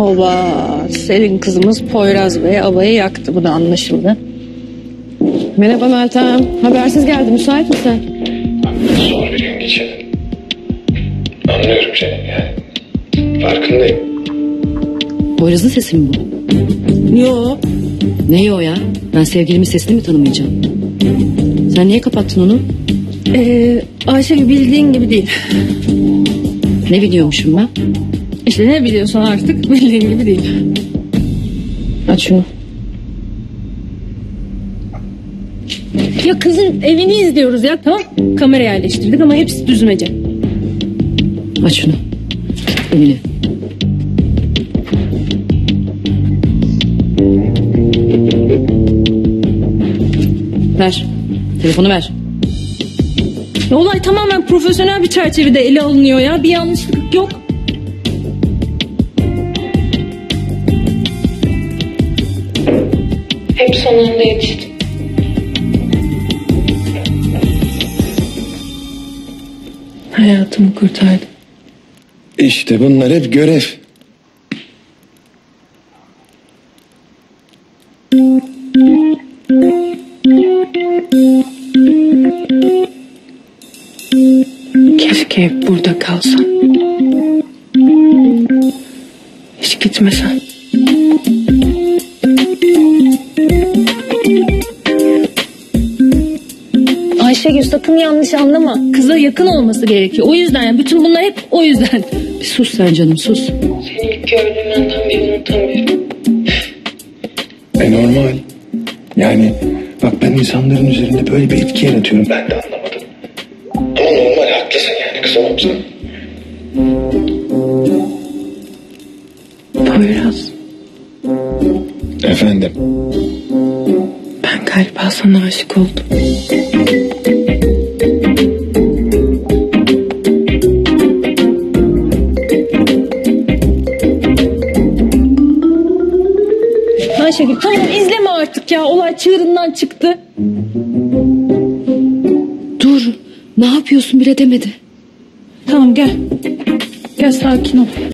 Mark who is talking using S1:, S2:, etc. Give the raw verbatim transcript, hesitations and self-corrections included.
S1: Oba, Selin kızımız Poyraz Bey havayı yaktı, bu da anlaşıldı.
S2: Merhaba Meltem. Habersiz geldi. Müsait misin?
S3: Zor bir gün geçirdim. Anlıyorum seni yani. Farkındayım.
S2: Poyraz'ın sesi mi bu?
S1: Yo,
S2: Ne o ya? Ben sevgilimin sesini mi tanımayacağım? Sen niye kapattın onu?
S1: ee, Ayşegül bildiğin gibi değil.
S2: Ne biliyormuşum ben?
S1: İşte ne biliyorsan artık bildiğin gibi değil.
S2: Aç şunu.
S1: Ya kızın evini izliyoruz ya, tamam. Kamera yerleştirdik ama hepsi düzmece.
S2: Aç şunu. Emine. Ver. Telefonu ver.
S1: Ya olay tamamen profesyonel bir çerçevede ele alınıyor ya. Bir yanlışlık yok.
S4: Hep son anda yetiştim.
S1: Hayatımı kurtardı.
S3: İşte bunlar hep görev.
S4: Keşke hep burada kalsan. Hiç gitmesen.
S1: Ayşegül sakın yanlış anlama. Kıza yakın olması gerekiyor. O yüzden yani bütün bunlar hep o yüzden.
S2: Bir sus sen canım, sus.
S4: Seni ilk gördüğüm andan beri unutamıyorum.
S3: E normal. Yani bak, ben insanların üzerinde böyle bir etki yaratıyorum. Ben de anlamadım. Ama normal, haklısın yani, kız olmamıza.
S4: Poyraz,
S3: Efendim.
S4: ben galiba sana aşık oldum.
S1: Ayşegül tamam, izleme artık ya. Olay çığırından çıktı.
S2: Dur. Ne yapıyorsun bile demedi.
S1: Tamam gel. Gel sakin ol.